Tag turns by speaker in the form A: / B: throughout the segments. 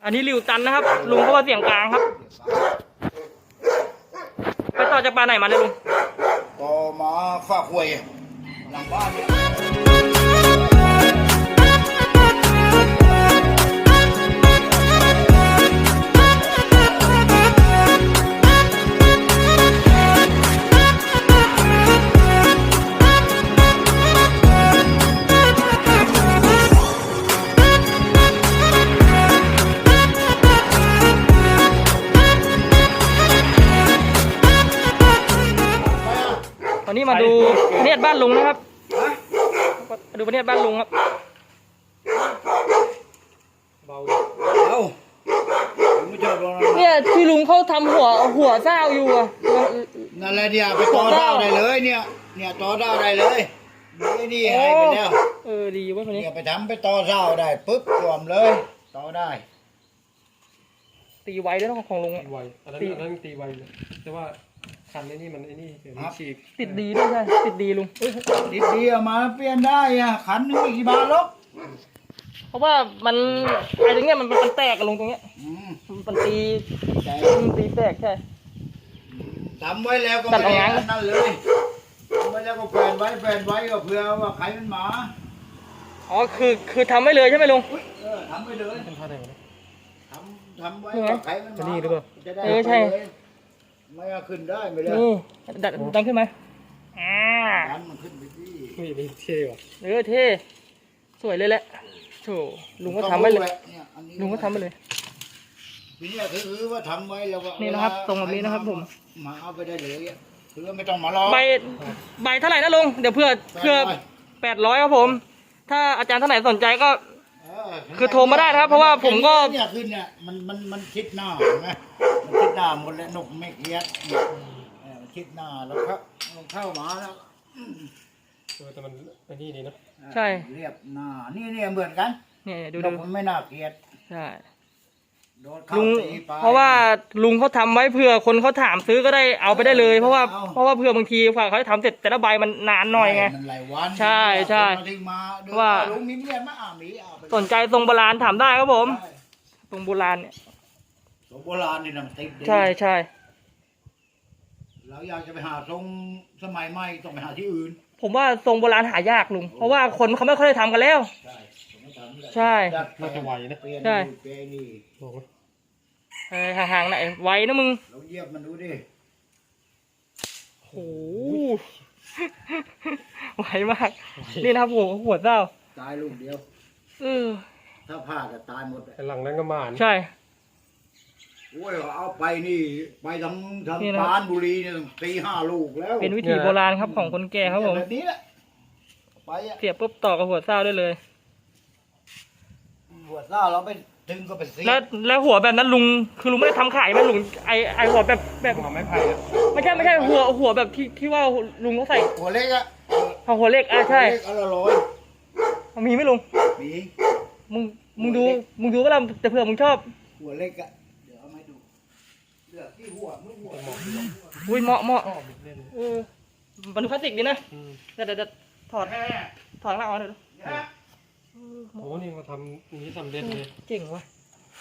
A: อันนี้ริวตันนะครับลุงเพราะว่าเสียงกลางครับไปต่อจากปลาไหนมาเนี่ยลุง
B: ต่อมาฝากหวยหลังบ้านเนี่ย
A: ตอนนี้มาดูพเนียดบ้านลุงนะครับมาดูพเนียดบ้านลุงครับ
B: เบาไม่ชอบลง
A: เนี่ยที่ลุงเขาทำหัวเศร้าอยู่อ่ะ
B: นั่นแหละเนี่ยไปต่อดาวได้เลยเนี่ยต่อดาวได้เลยนี่ให้ไปแล้ว
A: ดีเว้ยคนนี้
B: เนี่ยไปทำไปต่อดาวได้ปุ๊บรวมเลยต่อได้
A: ตีไวด้วยนะของลุง
C: ตีไวอันนั้นตีไวเลยแต่ว่าคันนี่มันฉีก
A: ติดดีด้วยใช่ติดดีลุง
B: ติดดีมาเปลี่ยนได้อะขันนึงกี่บาทลบ
A: เพราะว่ามันไอ้ตรงเนี้ยมันแตกกันลงตรงเนี้ยมันตีแตกใช่
B: ทำไว้แล้วก็ไม่ได้นั่นเลยทำไว้แล้วก็แฟนไว้ก็เผื่อว่าใครมันหมา
A: อ๋อคือทำไว้เลยใช่ไหมลุง
B: ทำไว้เลย
C: เป็นท่าไหนวะ
B: ทำไว้ว่าใครมันหมา
C: นี่หรือเปล่า
A: ใช่
B: ไม่ขึ้นได้ไม่ได้
A: นี่ดันขึ้นไหม
B: ดันมันขึ้นไปที่
C: นี่เท่ว่ะ
A: เท่สวยเลยแหละโถลุงก็ทำไว้เลยลุงก็ทำไปเลย
B: ทีนี้คือว่าทำไว้แล้วก็
A: นี่นะครับตรงแบบนี้นะครับผม
B: มาเอาไปได้เลยคือไม่ต้องมารอ
A: ใบเท่าไหร่นะลุงเดี๋ยวเพื่อ800ครับผมถ้าอาจารย์ท่านไหนสนใจก็คือโทรมาได้นะครับเพราะว่าผมก็
B: เนี่ยขึ้นเนี่ยมันคิดหน้าไหมมันคิดหน้าหมดแล้วนกไม่เกียดมันคิดหน้าแล้วครับเข้ามาแล้ว
C: แต่มันไอ้นี่ดีนะ
A: ใช่
B: เรียบหน้านี่เหมือนกัน
A: เนี่ยดู
B: มันไม่น่าเกลียด
A: ใช่ลุงเพราะว่าลุงเขาทำไว้เผื่อคนเขาถามซื้อก็ได้เอาไปได้เลยเพราะว่าเผื่อบางทีฝ่าเขาทำเสร็จแต่ละใบมันนานหน่อยไงใช่ว่าสนใจทรงโบราณถามได้ครับผมทรงโบราณเนี่ย
B: ทรงโบราณนี่นะติด
A: ใช่
B: เราอยากจะไปหาทรงสมัยใหม่ต้องไปหาที่อื่น
A: ผมว่าทรงโบราณหายากลุงเพราะว่าคนเขาไม่ค่อยได้ทำกันแล้วใช่
C: น่าจะไวนะ
A: ใช่ห่างๆไหนไวนะมึง
B: เราเยียบมันดูดิ
A: โหไวมากนี่นะครับหัวเจ้า
B: ตายลูกเดียวถ้าพลาดจะตายหมด
C: หลังนั้นก็มา
A: ใช่
B: โอ้ยเอาไปนี่ไปทั้งปานบุรีเนี่ย4-5 ลูกแล้ว
A: เป็นวิถีโบราณครับของคนแก่ครับผม
B: แบบนี้แหละไป
A: เสียบปุ๊บต่อกับหัวเจ้าได้เลย
B: หัวเจ้าเราไปดึงก็ไปซี
A: แล้วหัวแบบนั้นลุงคือลุงไม่ได้ทำขายไหมลุงไอหัวแบบ
C: หัวไม้ไผ่
A: ไม่ใช่หัวแบบที่ว่าลุงเขาใส่
B: หัวเล็กอะ
A: หัวเล็กใช่
B: 100
A: มีไหมลุง
B: มี
A: มึงดูว่าเราแต่เผื่อมึงชอบ
B: หัวเล็กอะเดี๋ยวเอามาดูเลือกที่หัว
A: อุ้ยเหมาะมันพลาสติกดีนะแต่ถอดหน้าออกเลย
C: โอ้นี่มาทำนี้ทำเด่นเลย
A: เก่งว่ะ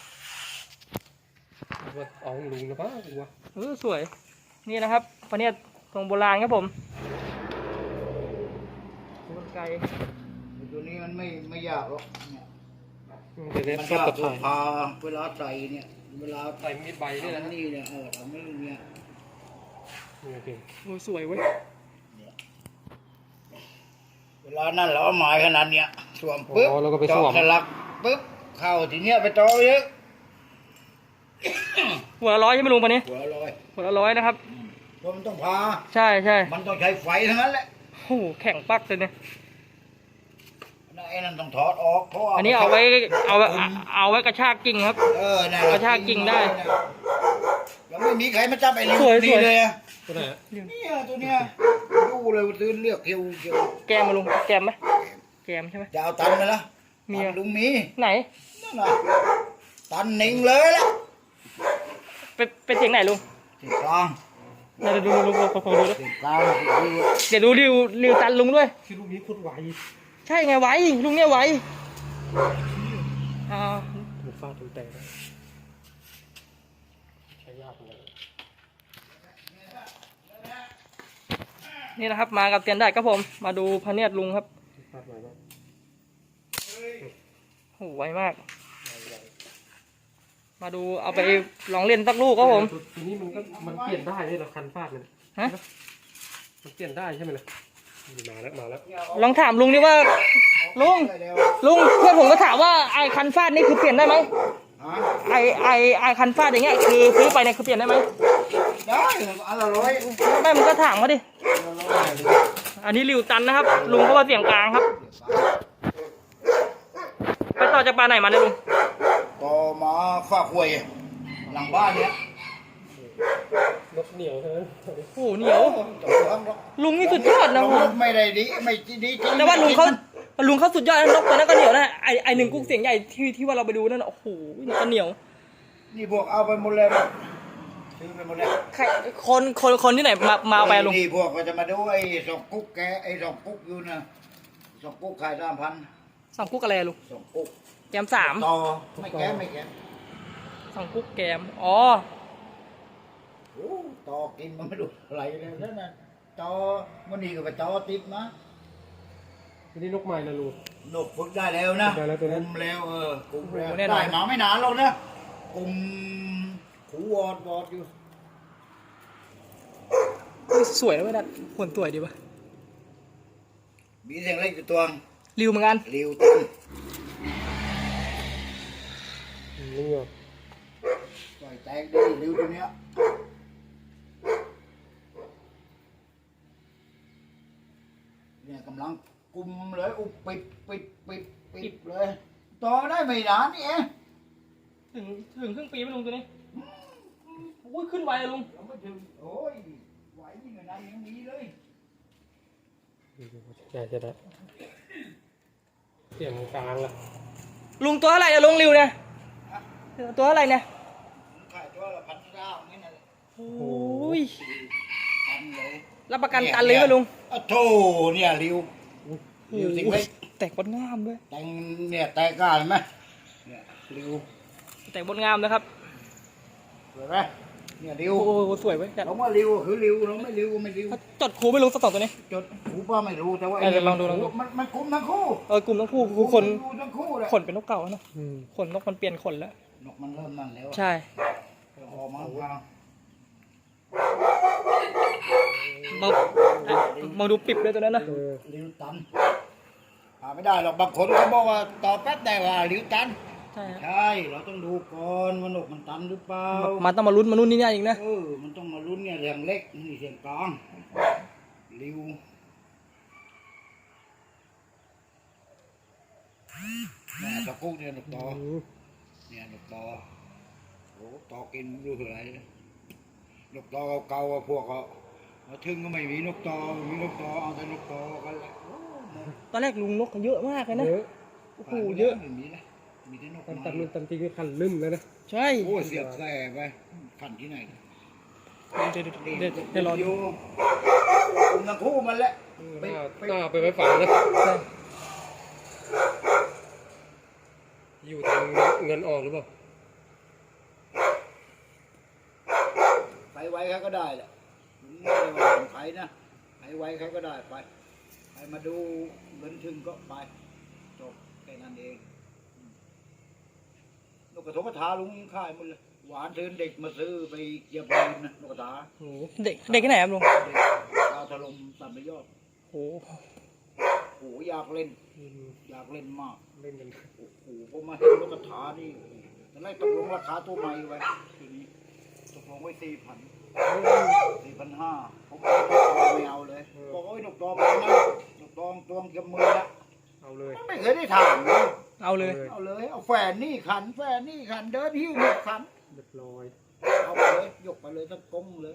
C: ว่าเอาลุงนะป้าว่ะ
A: สวยนี่นะครับพเนียดทรงโบราณครับผมกลไก
B: ตัวนี้มันไม่ยากหรอกเนี่ย
C: มัน
B: ยากพาเวลาใส่เนี่ยเวลา
C: ใส่มีดใบนี่นะ
B: นี่เนี่ยทำไม่เนี่ย
A: สวยเว้ย
B: เวลานั่นเราหมายขนาดเนี้ยสวมปึ๊บ
C: จอก
B: สลักปึ๊บเข้าทีเนี้ยไปต่อเยอะ
A: หัว100ใช่ไหมลุงปะนี้หัว100นะครับ
B: เพราะมันต้องพา
A: ใช่
B: มันต้องใช้ไฟทั้งนั้นแหละ
A: โอ้แข็งปักเลยเนี่ย
B: ไอ้นั่นต้องถอดออกเพราะ
A: อันนี้เอาไว้กระชากกิ่งครับกระชากกิ่งได้
B: แล้วไม่มีใครมาจับไอ้นี่เลย
C: ตัวไหน
B: นี่ตัวเนี้ยดูเลยตื่นเลือกเกี่ยว
A: แกมมาลุงแกมไหมแกมใช่ไหม
B: จะเอาตันไหมล่ะมีลุงมี
A: ไหน
B: นั่นน่ะตันนิ่งเลยล่ะ
A: เป็นเสียงไหนลุง
B: เสียงกลาง
A: เดี๋ยวดูลุงขอดูด้วย
B: เสียงกลาง
A: เดี๋ยวดูริวตันลุงด้วย
C: คือลุงนี้โคตรไว
A: ใช่ไงไวลุงเนี่ยไว
C: ฟาดมันแตกนะใช้ยากเลย
A: นี่นะครับมากับเตียนได้ครับผมมาดูพระเนียดลุงครับ
C: พลาดหน่อยก็
A: โหไวมาก มาดูเอาไปลองเล่นสักลูกครับผม
C: ทีนี้มันเปลี่ยนได้เลยเหรอคันฟาดมัน
A: ฮะ
C: มันเปลี่ยนได้ใช่ไหมล่ะมาแล้ว
A: ลองถามลุงดิว่าลุงเพื่อนผมก็ถามว่าไอคันฟาดนี่คือเปลี่ยนได้ไหม
B: ฮะ
A: ไอคันฟาดอย่างเงี้ยคือซื้อไปเนี่ยคือเปลี่ยนได้ไหม
B: ได้อันละร้อย
A: ไม่มันก็ถามเขาดิ อันนี้ริวตันนะครับ ลุงเพราะว่าเสียงกลางครับ ไปต่อจากปลาไหนมาเนี่ยลุง
B: ก็มาฝากหวยหลังบ้านเนี้ย
C: รถเหนียวใช่ไหม
A: โอ้โหเหนียว ลุงนี่สุดยอดนะ
B: ล
A: ผม
B: งไม่ได้ดีไม่ดีจริง
A: แต่ว่าลุงเขาสุดยอดนะนกตัวนั้นก็เหนียวนะไอหนึ่งกุ๊กเสียงใหญ่ที่ว่าเราไปดูนั่นน่ะโอ้โหนกก็เหนียว
B: นี่พวกเอาไปหมดเลยซื้อไปหมดเลย
A: ใครคนที่ไหนมาเอาไปอะลุง
B: นี่พวกก็จะมาดูไอ้สองกุ๊กแกไอ้สองกุ๊กอยู่นะสองกุ๊กขาย3,000
A: สองกุ๊กอะไรอะลุง
B: สองกุ๊ก
A: แกม3
B: ต่อไม่แก้ไม่แก้
A: สองกุ๊กแกมอ๋อ
B: โอ้ต่อกินมันไม่ดูอะไรเลยนั่นน่ะต่อมันนี่ก็ไปต่อติดมา
C: ทีนี้นกใหม่นะลูก
B: นกฝึกได้แล้วนะ
C: ได้แล้วตัวนั้น
B: กุมแล้วกุมแล้วได้มาไม่นานหรอกนะกุมหูวอดอยู่
A: เฮ้ยสวยนะเว้ยดัดขนสวยดีป่ะ
B: มีเสียงเล็กอยู่ตัว
A: ริวเหมือนกัน
B: ริวตัน
C: นี่เหรอ
B: ปล่อยแตกดีริวตัวเนี้ยเนี่ยกำลังกุมเลยอุบปิดเลยต่อได้ไม่นานนี่เอง
A: ถึงครึ่งปีไหมลุงตัวนี้อุ้ยขึ้นไวอะลุง
B: ยังไม่ถึงโอ้ยไหวยิ่งกว่านั้นยังมีเลย
C: ใช่จะได้เปลี่ยนกลางละ
A: ลุงตัวอะไรเนี่ยลุงริวเนี่ยตัวอะไรเนี่ย
B: ขายตัวละ1,900นี่นะ
A: โอ้ย
B: ตันเลย
A: รับประกันตันเลยไหมลุง
B: อ้าวโธ่เนี่ยริวริวสิงเล็ก
A: แตกบนงามด้วย
B: แต่งเนี่ยแตกกล้าเห็นไหมเนี่ยริว
A: แตกบนงามนะครับ
B: สวยไหมเนี่ยริว
A: โอ้โหสวยเว้ยจัด
B: เราว่าริวคือริวเราไม่ริวไม่ริว
A: จดครูไม่ลุงสักสองตัวนี้
B: จดหูป้าไม่รู้แต่ว่า
A: เดี๋ยวลองดู
B: มันคุ้มทั้งคู่
A: กลุ่มทั้งคู่คือคน
B: รู้ทั้งคู่เลย
A: ขนเป็นนกเก่านะขนนกมันเปลี่ยนขนแล้ว
B: นกมันเริ่มนั่นแล้ว
A: ใช่
B: ออกมา
A: มาดูปิบด้วยตัวนั้นนะ
B: ริวตันหาไม่ได้หรอกบางคนเขาบอกว่าต่อแป๊บได้ว่าริวตัน
A: ใช่ครับ
B: ใช่เราต้องดูก่อนว่านกมันตันหรือเปล่า
A: มันต้องมาลุ้นมานู่นนี่นี่อีกนะ
B: มันต้องมาลุ้นเนี่ยเสียงเล็กนี่เสียงกลางริวเนี่ยตะกุกเนี่ยนกต่อเนี่ยนกต่อโอ้ต่อกินดูเท่าไหร่นกต่อเก่าๆพวกเขามาถึงก็ไม่มีนกต่อมีนกต่อเอาแต่นกต่อกันแหละ
A: ตอนแรกลุงนกเขาเยอะมากเลยนะ
C: เยอะ
A: โอ้โหเยอะ
B: ไม่มีนะมีแต่นก
C: ตาม
B: ไม้
C: ตัดมันตามจริงก็คันลืมเลยนะ
A: ใช่
B: โอ้เสียบแส่ไปขันที่ไหน
A: เดี๋ยวรอดู
B: อยู่กลุ่มทั้งคู่มันแหละ
C: หน้าไปไว้ฝังนะ
A: ใช่
C: อยู่ทางเงินออกหรือเปล่า
B: ใครไว้ใครก็ได้แหละไม่ได้ว่าของใครนะใครไว้ใครก็ได้ไปใครมาดูเงินถึงก็ไปจบแค่นั้นเองนกกระทบกระทาลุงค่ายหมดเลยหวานเทินเด็กมาซื้อไปเหยียบดินนะนกกระทา
A: โอ้โหเด็กที่ไหนครับลุง
B: เด็กดาวถล่มตัดไปยอด
A: โอ้โห
B: โอ้อยากเล่นอยากเล่นมาก
C: เล่นกัน
B: โอ้โหผมมาเห็นนกกระทานี่ตอนแรกตกลงราคาตัวใหม่ไว้ทีนี้ตกลงไว้4,500ผมไม่เอาเลยบอกว่านกตอไปนะนกตองตวงเก็บมือละ
C: เอาเลย
B: ไม่เคยได้ถามเลย
A: เอาเลย
B: เอาเลยเอาแฝนนี่ขันแฝนนี่ขันเดินหิ้วหนกขัน
C: เรียบร้อย
B: เอาไปเลยยกไปเลยทั้งกงเลย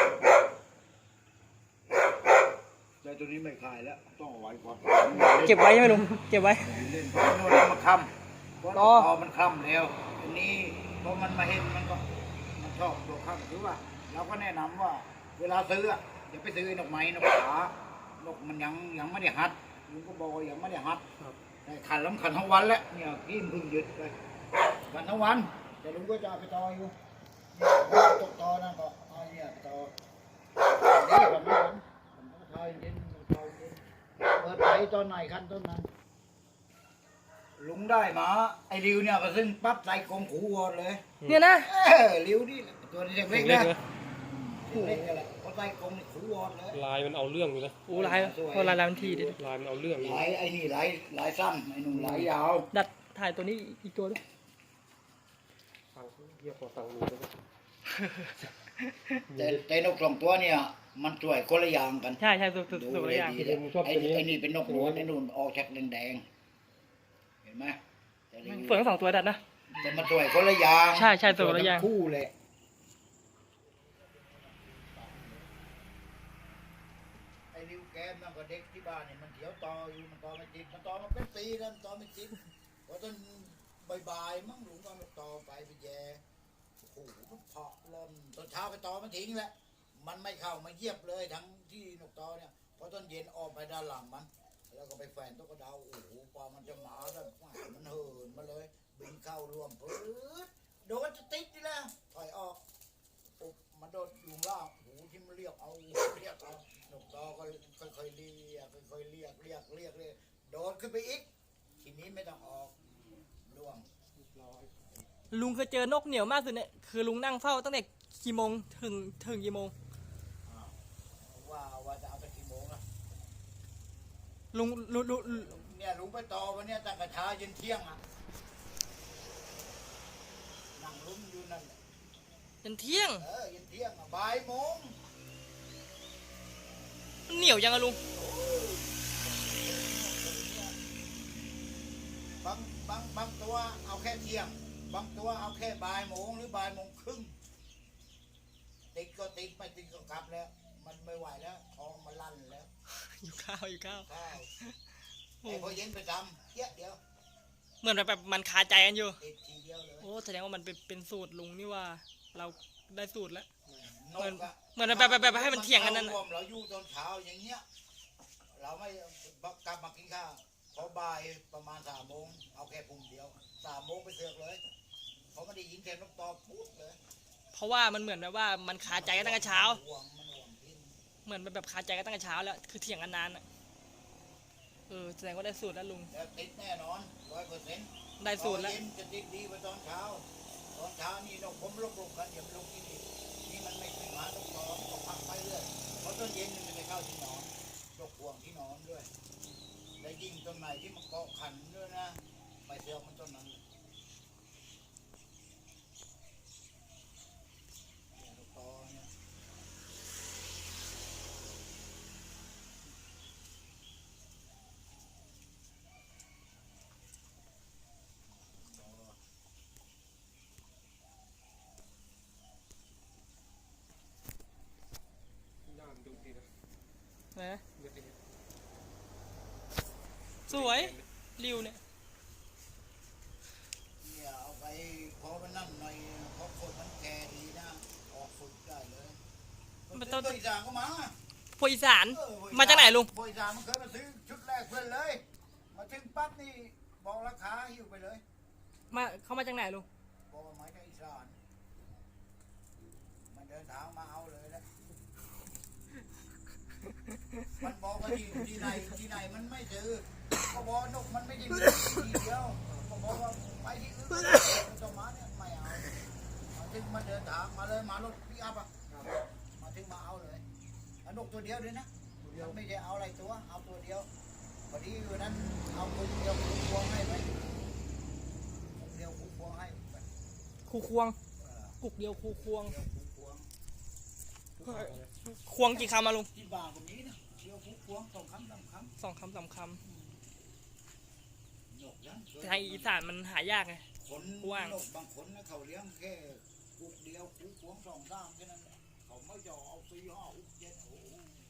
B: แต่ตัวนี้ไม่ขายแล้วต้องเอาไว้ก่อน
A: เก็บไว้ใช่ไหมลุงเก็บไว้
B: เล่นเพราะนวดมันคำเพราะพอมันคำแล้วอันนี้พอมันมาเห็นมันก็มันชอบตัวคำคือว่าเราก็แนะนำว่าเวลาซื้ออย่าไปซื้อนกไม้นกขานกมันยังไม่ได้หัดลุงก็บอกว่ายังไม่ได้หัดแต่ขันแล้วขันทั้งวันแล้วเนี่ยกินเพิ่งหยุดไปวันทั้งวันแต่ลุงก็จะเอาไปต่ออยู่ตกต่อนั่นก็เอาเนี่ยต่อเดี๋ยววันนั้นผมก็ทายเย็นเปิดไปตอนไหนคันต้นนั้นลุงได้มาไอ้ริวเนี่ยก็ซึ่งปั๊บใส่กรงขูวอดเลย
A: เนี่ยนะ
B: ริวนี่ตัวนี้เล็กๆ
C: เล็ก
B: นะ
C: นะ
B: เล็กๆอะไรพอใส่กรงนี่ขูวอดเลย
C: ลายมันเอาเรื่องอยู่นะ
A: โอ้ลายโอ้ลายมันทีดิ
C: ลายมันเอาเรื่องอยู่
B: ลายไอ้นี่ลายสั้นไอ้หนุ่มลายยาว
A: ดัดถ่ายตัวนี้อีกตัวด้วย
C: ฟังเยี่ยมกว่าฟังดูด้วย
B: แต่นกสองตัวเนี่ยมันสวยคนละอย่างกัน
A: ใช่ใช่สุดสุด
B: ดู
A: สุด
B: เล
A: เลย ยอย่าง
B: ดีเลยไอ้นี่เป็นนกหนวดไอ้นู่นออกจากแดงๆเห็นไหมแต่ริว
A: สวยทั้งสองตัวดัดนะ
B: แต่มันสวยคนละอย่าง
A: ใช่ใช่สวยคนละอย่าง
B: ทั้คู่เลยไอ้ริวแก้มนั่นก็เด็กที่บ้านเนี่ยมันเถียวตออยู่มันตอไม่ติดมันตอมาเป็นปีแล้วมันตอไม่ติดพอตอนบ่ายๆมั่งหลุงก็มันตอไปแย่โอ้โหมันเพาะล่นตอนเช้าไปตอมันทิ้งแหละมันไม่เข้ามาเยียบเลยทั้งที่นกตอเนี่ยพอตอนเย็นออกไปด้านหลังมัน แล้วก็ไปแฝนตุ๊กตาโอ้โหพอมันจะหมาแบบมันเหินมาเลยบินเข้าร่วมปื๊ดโดนจะติดนี่แหละถอยออกปุ๊บมันโดนยุงล่างโอ้โหที่มันเรียกเอานกตอก็ค่อยๆเรียกค่อยๆเรียกโดดขึ้นไปอีกทีนี้ไม่ต้องออกร่วง
A: ลุงเคยเจอนกเหนียวมากสุดเนี่ยคือลุงนั่งเฝ้าตั้งแต่กี่โมงถึงกี่โมง
B: ว่าจะเอาไปกี่โมงล่ะ
A: ลุง
B: เนี่ยลุงไปต่อวันเนี้ยตั้งแต่เช้าเย็นเที่ยงอ่ะนั่งลุ้นอยู่นั่น
A: จนเที่ยง
B: เย็นเที่ยงอ่ะบ่ายโมง
A: มันเหนียวยังอะลุง
B: บางตัวเอาแค่เที่ยงบางตัวเอาแค่บ่ายโมงหรือบ่ายโมงครึ่งติดก็ติดไม่ติดก็กลับแล้ว มันไม่ไหวแล้วท้องมันลั่นแล้ว
A: อยู่ข้าว
B: ใช่ไอ้พอเย็นไปทำเดียว
A: เหมือนแบบมันคาใจกันอยู่
B: ติดทีเดียวเลย
A: โอ้แสดงว่ามันเป็นสูตรลุงนี่ว่าเราได้สูตรแล้ว
B: นกอะ
A: เหมือนแบบให้มันเถียงกันนั่น
B: ร
A: น่ะ
B: วมเราอยู่ตอนเช้าอย่างเงี้ยเราไม่กลับมากินข้าวพอบ่ายประมาณ3 โมงเอาแค่ปุ่มเดียว3 โมงไปเสือกเลยเพราะไม่ได้ยินเสียงนกตอปุ๊บเลย
A: เพราะว่ามันเหมือนแบบว่ามันคาใจกันตั้งแต่เช้า
B: ห่วงพิน
A: เหมือนแบบคาใจกันตั้งแต่เช้าแล้วคือเถียงกันนานอ่ะแสดงว่าได้สูตรแล้วลุง
B: แล้วติดแน่นอน100%
A: ได้สูตรแล้ว
B: เย็นจะติดดีกว่าตอนเช้านี่นกผมลบกันอย่าไปลงที่นี่มันไม่ขึ้นมาต้องนอนก็พักไปเรื่อยเพราะตอนเย็นมันจะไปเข้าที่นอนตกห่วงที่นอนด้วยและยิ่งตรงไหนที่มันเกาะขันด้วยนะไปเสือกมันต้นนั้นเลยเนี่ยนกตอเนี่ย
C: ย่ามดูดีนะ
A: นะ
C: เลือดเอง
A: สวยริวเนี่ย
B: เนี่ยเอาไปพอมันนั่นหน่อยเพราะคนมันแก่ดีนะออกฝึกได้เลยมันต้นอีสานก็มา
A: พวกอีสานมาจากไหนลุง
B: บริษัทมันเคยมาซื้อชุดแรกเพื่อนเลย มาถึงปั๊บนี่บอกราคาหิ้วไปเลย
A: เขามาจากไหนลุง
B: บอกว่าหมายถึงอีสานมันเดินทางมาเอาเลยแหละมันบอกว่าที่ไหนมันไม่ซื้อก็บอกนกมันไม่ได้มีที่เดียวก็บอกว่าไปที่อื่นจะมาเนี่ยไม่เอามาถึงมาเดินทางมาเลยมารถปิกอัพอ่ะมาถึงมาเอาเลยแล้วนกตัวเดียวด้วยนะมันไม่ใช่เอาอะไรตัวเอาตัวเดียวพอดีวันนั้นเอาตัวเดียวคู่ควงให้ไปเดียวคู่ควงให้ไป
A: คูควงกุกเดียวคูควง
B: เดียวคู่ควง
A: ควงกี่คำมาลุง
B: ที่บ้านตรงนี้นะเดียวคู่ควง2 คำ 3 คำ
A: 2 คำ 3 คำ
B: นกยัง
A: แต่ทางอีสานมันหายากไง
B: คน
A: กว้าง
B: นกบางคนนะเขาเลี้ยงแค่กุกเดียวคู่ควง2 3แค่นั้นแหละเขาไม่จะเอา4 5 6 7โอ้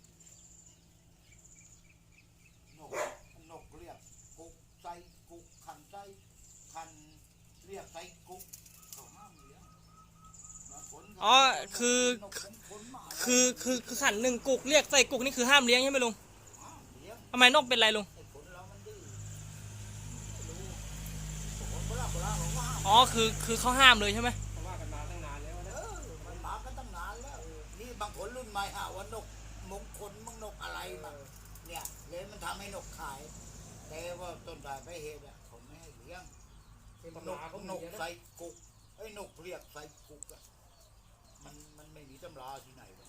B: นกเรียกกุกใส่กุกขันใส่ขันเรียกใส่กุกเขาห้ามเลี้ยงบางคนเขา
A: อ๋อคือ
B: นกเป็นคนหมา
A: คือขันหนึ่งกุกเรียกใส่กุกนี่คือห้ามเลี้ยงใช่ไหมลุง
B: ห้ามเลี้ยง
A: ทำไมนกเป็นไรลุง
B: ไอ้คนเรามันดื้อไม่รู้โบราณบอกว่าห้าม
A: อ๋ออ๋อคือเขาห้ามเลยใช่ไหม
C: เขาว่ากันมาตั้งนานแล้วนะ
B: มันมากันตั้งนานแล้วนี่บางคนรุ่นใหม่หาว่านกมงคลมังนกอะไรมาเนี่ยเลยมันทำให้นกขาย แต่ว่าต้นสายไปเหตุอ่ะเขาไม่ให้เลี้ยง
C: เป็น
B: น
C: ตำราก เขา
B: น
C: มี
B: ก
C: นะ
B: ใส่กุกไอ้นกเรียกใส่กุกอ่ะมันไม่มีตำราที่ไหนวะ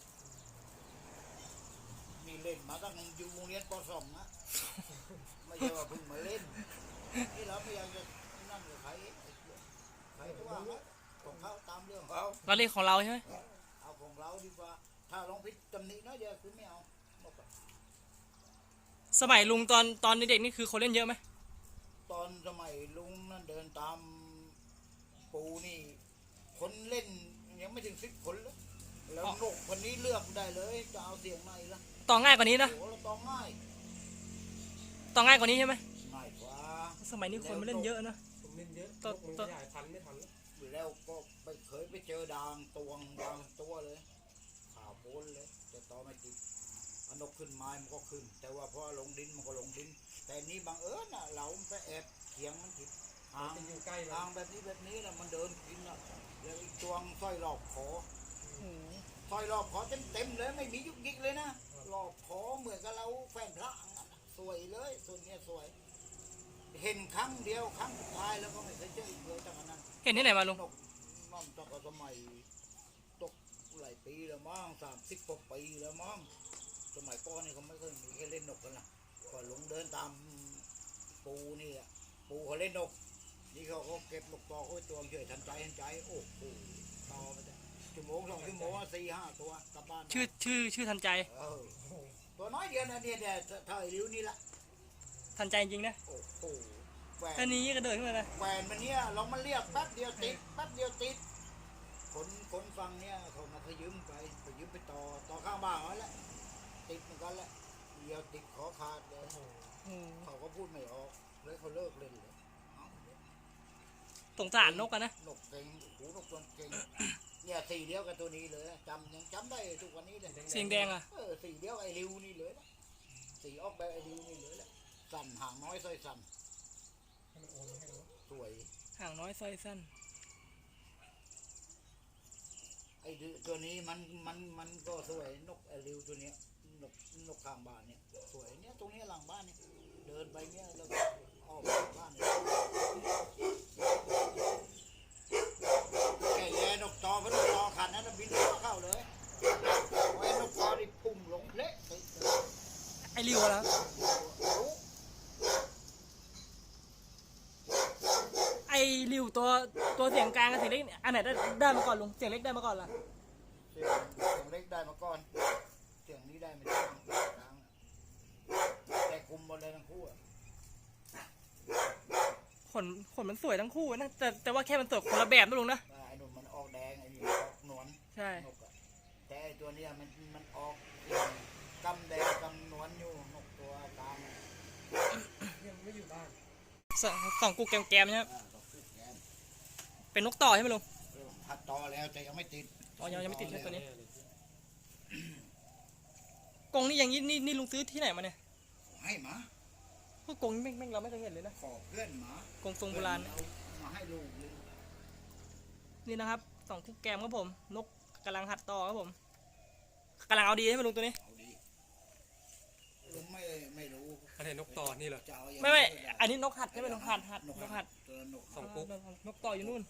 B: นี่เล่นมาตั้งอยู่โรงเรียนป .2 นะไม่ใช่ว่าเพิ่งมาเล่นนี่เราพยายามจะนั่งกับใครใครก็ว่าของเขาตามเรื่องเขา
A: เราเรียกของเราใช่ไหม
B: เอาของเราดีกว่าถ้าลองพิจตำหนิน้อยเดียวคือไม่เอานกอะ
A: สมัยลุงตอนเด็กๆนี่คือคนเล่นเยอะไหม
B: ตอนสมัยลุงนั่นเดินตามปูนี่คนเล่นยังไม่ถึง10 คนเลยแล้วนกคนนี้เลือกได้เลยจะเอาเสียงไหนล่ะ
A: ต่อง่ายกว่านี้นะ
B: โอ้เราต้องง่าย
A: ต่อง่ายกว่านี้ใช่ไหม
B: ง่ายกว่า
A: สมัยนี้คนไม่เล่นเยอะนะ
C: ผมเล่นเยอะ
A: ต่อ
C: นกมัน
A: ต่อ
C: ขยายพันธุ์ไม่ทันแล้ว
B: แล้วก็เคยไปเจอดางตวงดางตัวเลยข่าวโพนเลยแต่ต่อไม่ติดเอานกขึ้นไม้มันก็ขึ้น แต่ว่าพอลงดินมันก็ลงดิน แต่นี่บังเอิญน่ะเราไปแอบเถียงมันผิดหาง
C: จะอยู่ใกล้
B: ทางแบบนี้นะมันเดินกินอ่ะแล้วอีกตัวงสร้อยรอบคอสร้อยรอบคอเต็มเลยไม่มียุกยิกเลยนะรอบคอเหมือนกับเราแฟนพระสวยเลยส่วนเนี้ยสวย เห็นครั้งเดียวครั้งสุดท้ายแล้วก็ไม่เคยเจออีกเลยจากนั้น
A: เห็นที่ไหนมาลุง
B: นกมันตั้งแต่สมัยตกหลายปีแล้วมั้ง30 กว่าปีแล้วมั้งสมัยก่อนนี่เขาไม่เคยมีแค่เล่นนกกันนะก็ลงเดินตามปูนี่อ่ะปูเขาเล่นนก นี่เขาก็เก็บนกต่อโอ้ยตัวเฉยทันใจโอ้โหต่อไปจ้ะ1 ชั่วโมง 2 ชั่วโมง4 5 ตัวกลับบ้าน
A: ชื่อทันใจ
B: เออตัวน้อยเดียวนะเนี่ยเท่าไอ้ริ้วนี่ละ
A: ทันใจจริงๆนะ
B: โอ้โหแหว
A: แค่
B: น
A: นี้ก็เดินขึ้นมาเลย
B: แหวนมันเนี่ยเรามันเรียกแป๊บเดียวติดแป๊บเดียวติดคนฟังเนี่ยเขามาขยืมไปต่อข้างบ้านเขาแหละติดเหมือนกันแหละเดียวติดขอขาดเลยเขาก็พูดไม่ออกเลยเขาเลิกเล่นเลยเอา
A: สงสารนกกันนะ
B: นกเก่งโอ้โหนกตัวเก่งเนี่ยสีเดียวกับตัวนี้เลยยังจำได้ทุกวันนี้เลย
A: เสียงแดงอ่ะ
B: สีเดียวไอ้ริวนี่เลยนะสีออกแบบไอ้ริวนี่เลยแหละสั่นหางน้อยสร้อยสั่น
C: ให้มันโอนให้เรา
B: สวย
A: ห่างน้อยซอยสั้น
B: ไอ้ตัวนี้มันก็สวยนกไอ้ริวตัวเนี้ยนกข้างบ้านเนี่ยสวยเนี่ยตรงนี้หลังบ้านเนี่ยเดินไปเนี่ยแล้วก็ออกจากบ้านเนี่ยแกแย่นกตอเพราะนกตอขันนั้นนะบินเข้าเลยไอ้นกตอนี่พุ่งลงเละไปเลย
A: ไอ้ริวแล้ว ไอ้ริวตัวเสียงกลางกับเสียงเล็กอันไหนได้มาก่อนลุงเสียงเล็กได้มาก่อนล่ะ
B: เสียงเล็กได้มาก่อนเสียงนี้ได้ไม่ได้ทางแต่คุมหมดเลยทั้งคู่อะ
A: ขนมันสวยทั้งคู่นะแต่ว่าแค่มันสวยคนละแบบนะลุงนะ
B: ไอ้หนุ่มมันออกแดงไอ้นี่ออกหนวล
A: ใช่
B: นกอะแต่ไอ้ตัวเนี้ยมันออกกำแดงกำหนวลอยู่นกตัวกลางอะ
C: ยังไม่อยู่บ้าน
A: สองกูแกมๆใช่ไหม
B: ดอกคู่แกน
A: เป็นนกต่อใช่ไหมลุง
B: พัดต่อแล้วแต่ยังไม่ติด
A: อ๋อยังไม่ติดใช่ตัวนี้
C: แน่เลย
A: กรงนี่อย่างนี้นี่ลุงซื้อที่ไหนมาเนี่ย
B: ให้หมา
A: พวกกรงนี่แม่งเราไม่เคยเห็นเลยนะ
B: ขอเพื่อนหมาก
A: รงทรงโบราณ
B: เอามาให้ลูกเลย
A: นี่นะครับสองคู่แกมครับผมนกกำลังหัดต่อครับผมกำลังเอาดีใช่ไหมลุงตัวนี้
B: เอาดีผมไม่รู้
C: อะไรนกต่อนี่เหรอ
B: จะเอายังง
A: ไม่อันนี้นกหัดใช่ไหมนกหัดนกหัด
B: ตัวนก
C: สองกุ๊ก
A: นกต่ออยู่นู่น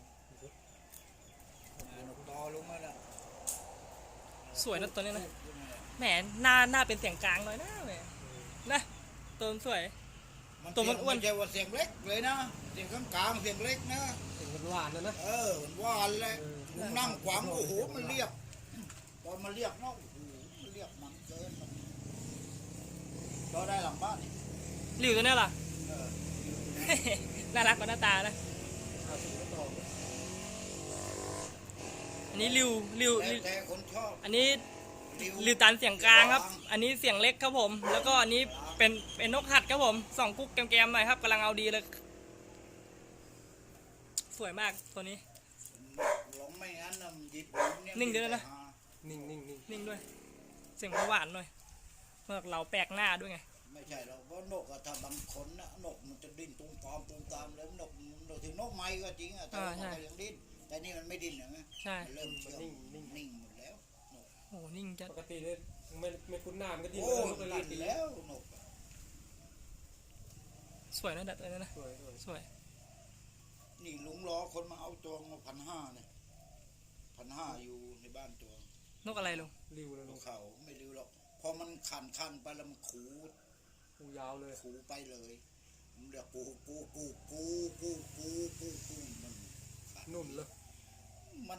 B: นกต่อลงมาแล้ว
A: สวยนะตัวนี้นะ
B: ขึ้นมาแล้ว
A: แหมหน้าเป็นเสียงกลางหน่อยนะแหมนะตัวมันสวย ตัวมันอ้วน
B: ไม่ใช่ว่าเสียงเล็กเลยนะเสียงกลางๆเสียงเล็กนะ
C: เสียงหวานๆนะ
B: เออมันว่านเลย
C: เออ
B: ผมนั่งขวางโอ้โหมันเรียกตอนมันเรียกเนาะโอ้โหมันเรียกมันเกินมันเราได้หลังบ้านนี่
A: หลิวตัวนี้ล่ะ
B: เออ
A: น่ารักกว่าหน้าตานะ
C: เอาสีนกต่อ
A: อันนี้ริว
B: แต่คนชอบ
A: อันนี้
B: ริ้ว
A: ริวตันเสียงกลางครับ อันนี้เสียงเล็กครับผม แล้วก็อันนี้เป็นนกหัดครับผมสองกุ๊กแกมๆหน่อยครับกำลังเอาดีเลย สวยมากตัวนี้
B: หลงไม่งั้นนะมันหยิบเย
A: นิ่งเดี๋ยวนะ
C: นิ่ง
A: นิ่งด้วย เสียงหวานหน่อยเมื่อเราแปลกหน้าด้วยไง
B: มไม่ใช่หรอกเพราะนกอะถ้าบางคนนะนกมันจะดิ้นตุ้มตามแล้วนกถึงนกไม้ก็จริงอะแต่ว่ามันก็ยังดิ้นแต่นี่มันไม่ดิ้นนะ
A: ใช่
B: มันเริ่มเชื่อง
C: นิ่ง
B: นิ่งหมดแล้วนก
A: โอ้นิ่งจัด
C: ปกติเนี่ยไม่คุ้นหน้ามันก็ดิ้น
B: โอ้
C: แล้วนกเลยหลายปี
B: ดิ้นแล้วนกอะ
A: สวยนะดัดเลยนะ
C: สวย
A: สวย
B: นี่ลุงรอคนมาเอาตัวมา1,500เนี่ย1,500อยู่ในบ้านตัวน
A: กอะไรลุง
C: ริวเลย
B: น
C: ลู
B: ก
C: ก
B: เขาไม่รู้หรอกพอมันคันไปแล้วมันขู
C: หูยาวเลย
B: ไปเลยมันเรียกกูมันขาด
C: นุ่มเลย
B: มัน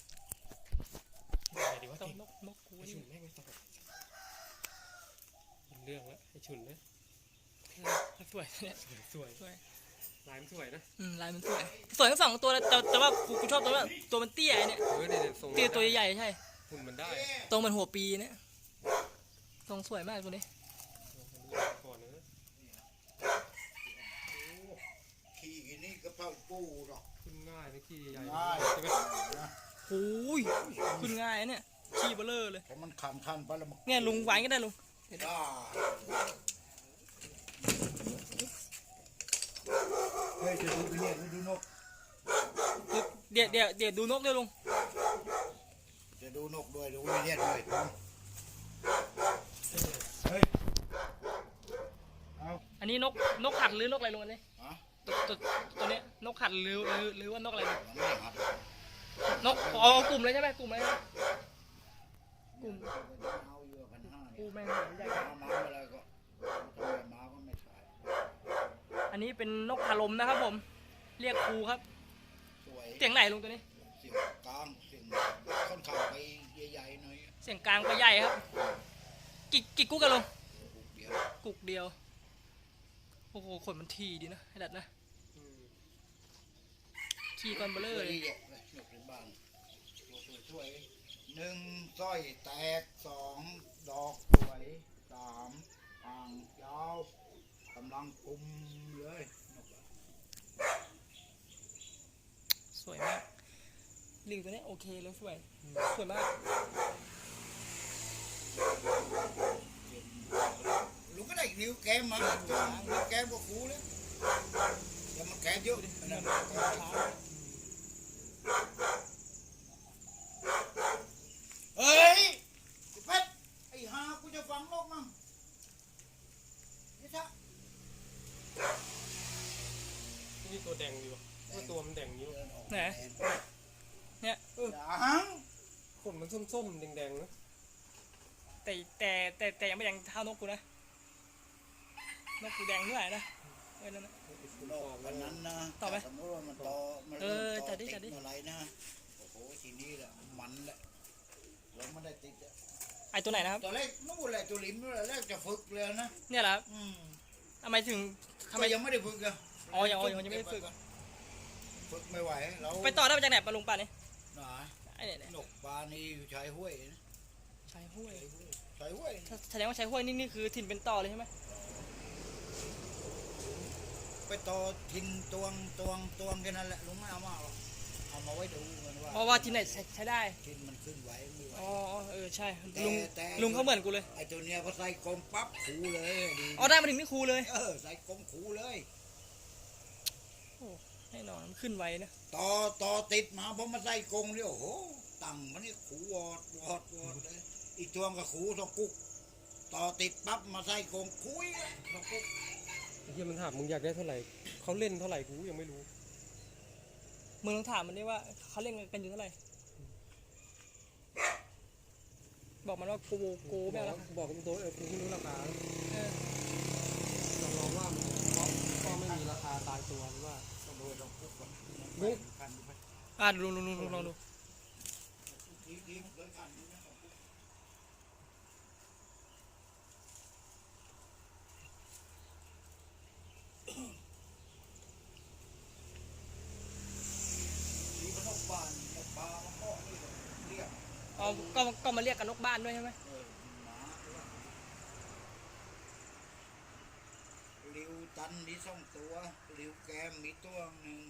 C: ดีว่า
A: ต้อ
C: เก่
A: ง
C: ง
A: นกกู
C: ไอ
A: นี่
C: ฉุนแม่งไม่ตอบเรื่องแล้วไอฉุนนะ
A: สวยเนี่ย
C: สวย
A: สวย
C: ลายมันสวยนะ
A: ลายมันสวยสวยทั้งสองตัวเลยแต่ว่ากูชอบตัวว่าตัวมันเตี้ยเนี่ย
C: เนี่ยทรง
A: เตี้ยตัวใหญ่ใช่
C: หุ่นมันได้
A: ตรงเหมือนหัวปีเนี่ยตรงสวยมากตัวนี้
C: ก่อนนะ
B: ขี่นี่ก็เป้าปูหรอก
C: ขึ้นง่ายนะขี้ใหญ่
B: ง่าย
C: ใช่ไหม
A: โอ้ยขึ้นง่ายนะเนี่ยขี้เบลอเลย
B: เพราะมันคันไปแล้วมัน
A: เนี่ยลุงไว้ก็ได้ลุง
B: ได้เฮ้ยจะดูไปเนี่ยดูนก
A: เดี๋ยวดูนกด้วยลุง
B: จะดูนกด้วยดูไปเนี่ยด้วยเฮ้ยเอา
A: อันนี้นกขัดหรือนกอะไรลุงอันนี้
B: ฮะ
A: ตัวเนี้ยนกขัดหรือว่านกอะไรลุง
B: มันไม่หัด
A: นกอ๋อกลุ่มเลยใช่ไหมกลุ่มเลยกลุ่ม
B: เอาอยู่1,500
A: กู
B: เนี่ย
A: แม่งใหญ่
B: มาอะไรก็ทำไมมาก็ไม่ขาย
A: อันนี้เป็นนกพาลมนะครับผม เรียกครูครับ
B: สวย
A: เสียงไหนลุงตัวนี้
B: เสียงกลางเสียงค่อนข้างไปใหญ่ๆหน่อย
A: เสียงกลางไปใหญ่ครับกี่กุ๊กกันลุง
B: เดียว
A: กุ๊กเดียวโอ้โหขนมันทีดีนะให้ดัดนะขี่ก่อนเบลอ
B: เล
A: เลย ย
B: เยอะเลยนกในบ้านตัวช่วย1สร้อยแตก2ดอกสวย3อ่างยาวกำลังกุมเลยนกอะ
A: สวยมากลิงตัวนี้โอเคเลยสวยสวยมาก
B: ลุงก็ได้นิ้วแกมมานิ้วแกมก็คูเลยแต่มันแกมเยอะนะเฮ้ยเพชรไอ้ฮากูจะฟังโลกมั่งนี่ถ้า
C: นี่ตัวแดงดีวะว่าตัวมันแดงอยู่
A: ไหนเนี่ย
B: หัง
C: ขนมันส้มๆแดงๆนะ
A: แต่ยังไม่แดงเท่านกกูนะนกกูแดงเท่าไหร่นะเออนั่นนะ
B: โลกวันนั้นนะ
A: ต่อไหม
B: สมมติว่ามันต่อมัน
A: เออ
B: ต่อ
A: จัดดิ
B: ติ
A: จัดดิ
B: อะไรนะโอ้โหทีนี้แหละมันแหละเราไม่ได้ติดอะ
A: ไอตัวไหนนะครับ
B: ตอนแรกนู่นแหละตัวลิ้นนู่นแหละแรกจะฝึกเลยนะ
A: เนี่ยแหละครับ
B: อืม
A: ทำไมถึงทำ
B: ทำ
A: ไม
B: ไมยังไม่ได้ฝึกอะ
A: อ๋อยังไม่ได้ฝึก
B: ฝึกไม่ไหวเรา
A: ไปต่อได้มาจากไหนปลาลุงป่านี่
B: หนา
A: ไอเนี่ย
B: นกปลานี่อยู่ชายห้วยนะ
A: ชายห้วย
B: ชายห้วย
A: แสดงว่าชายห้วยนี่คือถิ่นเป็นต่อเลยใช่ไหม
B: ไปต่อทินตวงแค่นั้นแหละลุงไม่เอามาหรอกเอามาไว้ดูกันว่า
A: เพราะว่าที่ไหนใช้ได้
B: ทินมันขึ้นไหวไม่ไหว
A: อ๋อเออใช่
B: แต่
A: ลุงลุงเขาเหมือนกูเลย
B: ไอ้ตัวเนี้ยพอใส่กลมปั๊บขูเลยดี
A: อ๋อได้มาถึงนี่ครูเลย
B: ใส่กลมขูเลย
A: แน่นอนมันขึ้นไวนะ
B: ต่อติดมาพอมาใส่กรงเนี่ยโอ้โหตั้งมันนี่ขูวอดเลยอีกตัวก็ขูสองกุ๊กต่อติดปั๊บมาใส่กรงคุยสองกุ๊ก
C: ไอ้เหี้ยมันถามมึงอยากได้เท่าไหร่เขาเล่นเท่าไหร่กูยังไม่รู้
A: มึงลองถามมันดิว่าเขาเล่นกันอยู่เท่าไหร่บอกมันว่ากูไม่เอาแล้ว
C: บอกกับตัวกูไม่รู้ราคา
A: เออ
C: ลองว่ามันก็ไม่มีราคาตายตัวหรือว่า
B: ต้องโดนสองกุ๊กก่อน
C: ลุง
B: คันไป
A: ลุงลองดู
B: ดีมันเคยคันนี่นะสองกุ๊กดีมันนกบ้านนกปลามันก็นี่เลยเรียก
A: อ๋อก็มาเรียกกันนกบ้านด้วยใช่ไหม
B: หมาลิวตันมีสองตัวลิวแกมมีตัวหนึ่ง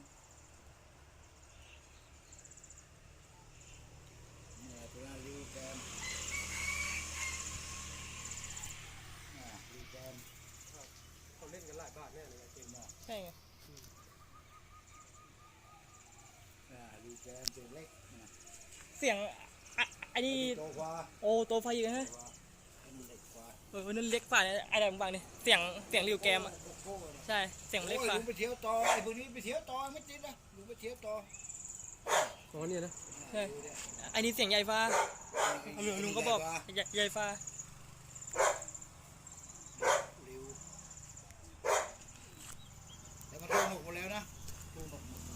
B: เนี่ยตัวนั้นลิวแกมลิวแกมมตัวเล็กนะ
A: เสียงไอ้นี่
B: โตกว่า
A: โอ้โตไฟอีกนะ
B: อันนี้เล็กกว่า
A: นั่นเล็กฝ่าเนี่ยไอ้แบบบางนี่เสียงริวแกมอ่ะ
B: โก้นะ
A: ใช่เสียง
B: โอ้
A: เล็ก
B: ย
A: ฝ่า
B: ลุงไปเที่ยวต่อไอ้พวกนี้ไปเที่ยวต่อไม่ติดนะลุงไปเที่ยวต่อ
C: อ๋อเนี่ยนะ
A: ใช่ไอ้นี่เสียงใหญ่ฟ้าลุงก็บอกใหญ่ฟ้า
B: เร็วแต่มันโดนหกหมดแล้วนะโดนหกหมด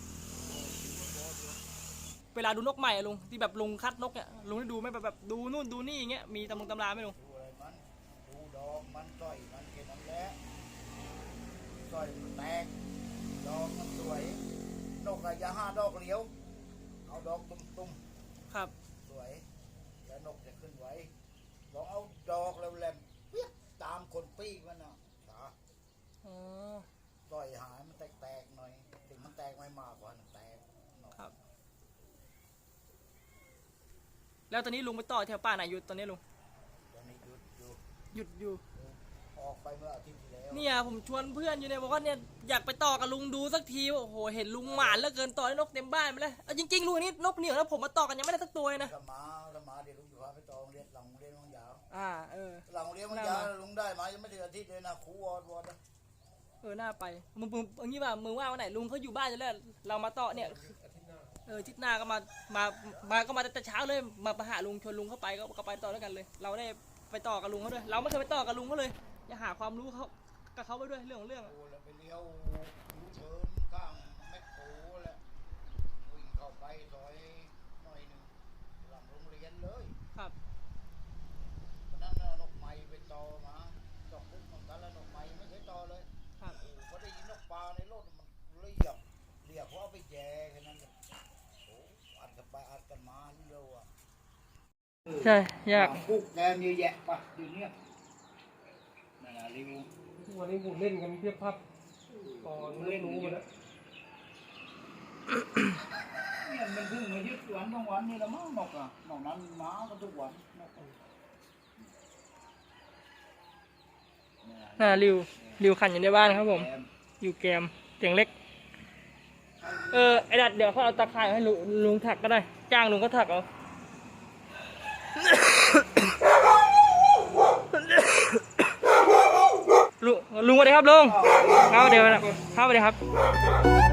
A: เวลาดูนกใหม่อะลุงที่แบบลุงคัดนกเนี่ยลุงได้ดูไหมแบบดูนู่นดูนี่อย่างเงี้ยมีตำราไหมลุง
B: ดูอะไรมันดูดอกมันต้อยมันแค่นั้นแหละต้อยมันแตกดอกมันสวยนกอะอย่าห้าดอกเหลียวเอาดอกตุ้ม
A: ครับ
B: ๆสวยแล้วนกจะขึ้นไว้ลองเอาดอกแล้วแหลมเปี้ยตามคนปีกมันนะขา
A: อ๋อ
B: ต้อยหายมันแตกๆหน่อยถึงมันแตกไม่มากกว่ามันแตกหน่อย
A: ครับ แล้วตอนนี้ลุงไปต่อแถวป่าไหนอยู่ตอนนี้ลุง
B: ตอนนี้หยุดอยู่
A: หยุดอยู่
B: ออกไปเมื่ออาทิตย์ที่แล้ว
A: เนี่ยผมชวนเพื่อนอยู่เนี่ยบอกว่าเนี่ยอยากไปต่อกับลุงดูสักทีโอ้โหเห็นลุงหมานเหลือเกินต่อให้นกเต็มบ้านไปเลยเอาจริงๆลุงอันนี้นกเหนียวแล้วผมมาต่อกันยังไม่ได้สักตัวเลยนะ
B: ถ้ามาเดี๋ยวลุงจะพาไปต่อโรงเรียนหลังโรงเรียนวังยาว หลังโรงเรียนวังยาวลุงได้มายังไม่ถึงอาทิตย์เลยนะครูวอดนะ
A: น่าไปมึงอย่างนี้ว่ามึงว่าวันไหนลุงเขาอยู่บ้านจะแล้วเรามาต่อเนี่ยอาทิตย์หน้าก็มาก็มาแต่เช้าเลยมาหาลุงชวนลุงเข้าไปก็ไปต่อด้วยกันเลย เราได้ไปต่อกับลุงเขาด้วยเราไม่เคยไปต่อกับลุงเขาเลยจะหาความรู้เขากับเขาไปด้วยเรื่องของเรื่อง
B: โอ้แล้วไปเลี้ยวยูเทิร์นข้างแมคโครแหละวิ่งเข้าไปซอยหน่อยหนึ่งหลังโรงเรียนเลย
A: ครับ
B: วันนั้นน่ะนกไม้ไปต่อมาดอกพุกเหมือนกันแล้วนกไม้ไม่เคยต่อเลย
A: ครับ
B: โอ้พอได้ยินนกปลาในรถมันเรียบเพราะเอาไปแจกแค่นั้นเลยโอ้อัดกันไปอัดกันมาเร็วอ่ะ
A: ใช่ยาก
B: ปุ๊กแกมเยอะแยะปะอยู่เนี่ยนั่นแหละรีวิว
C: ทุกวันนี้ผมเล่นกันเพียบพับก่อนเล่นรู้หมดแล้ว
B: เนี่ยมันเพิ่งมายึดวันบางวันนี่ละมั้งนกอ่ะนอกนั้นม้าก็ทุกวันนกอะ
A: ริวขันอยู่ในบ้านครับผม
B: แกม
A: อยู่แกมเสียงเล็กไอ้ดัดเดี๋ยวเขาเอาตะข่ายให้ลุงถักก็ได้จ้างลุงก็ถักเอาลุงสวัสดีครับลุงครับเดี๋ยวครับสวัสดีครับ